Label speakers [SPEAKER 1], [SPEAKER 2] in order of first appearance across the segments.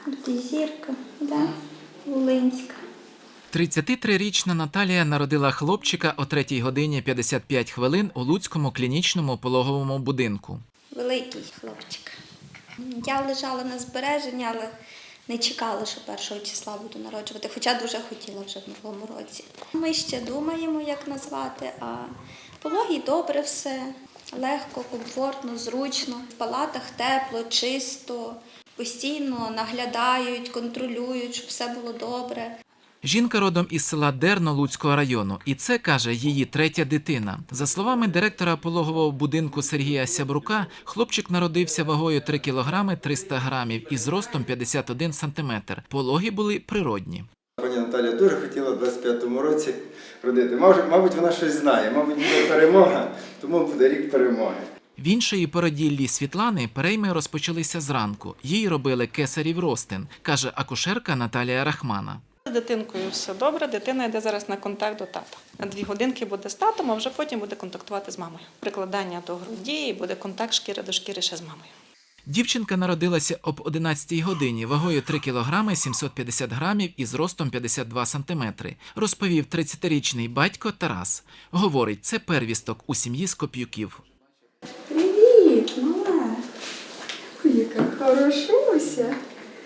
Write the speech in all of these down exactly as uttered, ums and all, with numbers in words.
[SPEAKER 1] Тут і зірка, да? Волинська.
[SPEAKER 2] тридцятитрирічна Наталія народила хлопчика о третій годині п'ятдесят п'ять хвилин у Луцькому клінічному пологовому будинку.
[SPEAKER 1] Великий хлопчик. Я лежала на збереженні, але не чекала, що першого числа буду народжувати, хоча дуже хотіла вже в новому році. Ми ще думаємо, як назвати, а пологі добре все, легко, комфортно, зручно. В палатах тепло, чисто, постійно наглядають, контролюють, щоб все було добре.
[SPEAKER 2] Жінка родом із села Дерно Луцького району. І це, каже, її третя дитина. За словами директора пологового будинку Сергія Сябрука, хлопчик народився вагою три кілограми триста грамів і зростом п'ятдесят один сантиметр. Пологи були природні.
[SPEAKER 3] Пані Наталія дуже хотіла в двадцять п'ятому році родити. Мабуть, вона щось знає, мабуть, буде перемога, тому буде рік перемоги.
[SPEAKER 2] В іншої породіллі Світлани перейми розпочалися зранку. Їй робили кесарів розтин, каже акушерка Наталія Рахмана.
[SPEAKER 4] З дитинкою все добре, дитина йде зараз на контакт до тата. На дві годинки буде з татом, а вже потім буде контактувати з мамою. Прикладання до груді і буде контакт шкіри до шкіри ще з мамою.
[SPEAKER 2] Дівчинка народилася об одинадцятій годині, вагою три кілограми сімсот п'ятдесят грамів і зростом п'ятдесят два сантиметри, розповів тридцятирічний батько Тарас. Говорить, це первісток у сім'ї Скоп'юків.
[SPEAKER 5] Привіт, мала. Ой, яка хорошуся.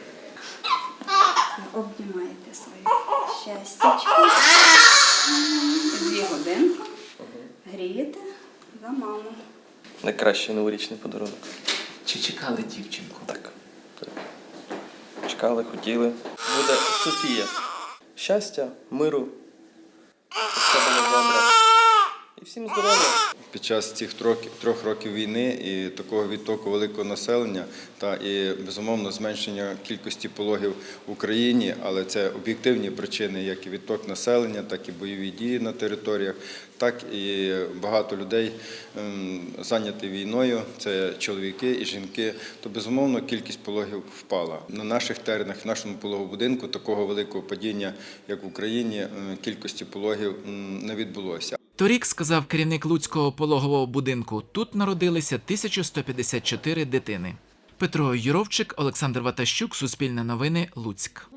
[SPEAKER 5] Обнімаєте своє щастячко. Дві годинки. Грієте за маму.
[SPEAKER 6] Найкращий новорічний подарунок.
[SPEAKER 2] Чи чекали дівчинку?
[SPEAKER 6] Так. так. Чекали, хотіли. Буде Софія. Щастя, миру, щоб все було добре. І всім здоров'я.
[SPEAKER 3] Під час цих трьох, трьох років війни і такого відтоку великого населення та і, безумовно, зменшення кількості пологів в Україні, але це об'єктивні причини, як і відток населення, так і бойові дії на територіях, так і багато людей ем, зайняті війною, це чоловіки і жінки, то, безумовно, кількість пологів впала. На наших теренах, в нашому пологовому будинку такого великого падіння, як в Україні, ем, кількості пологів ем, не відбулося.
[SPEAKER 2] Торік, сказав керівник Луцького пологового будинку, тут народилися тисяча сто п'ятдесят чотири дитини. Петро Юровчик, Олександр Ватащук, Суспільне новини, Луцьк.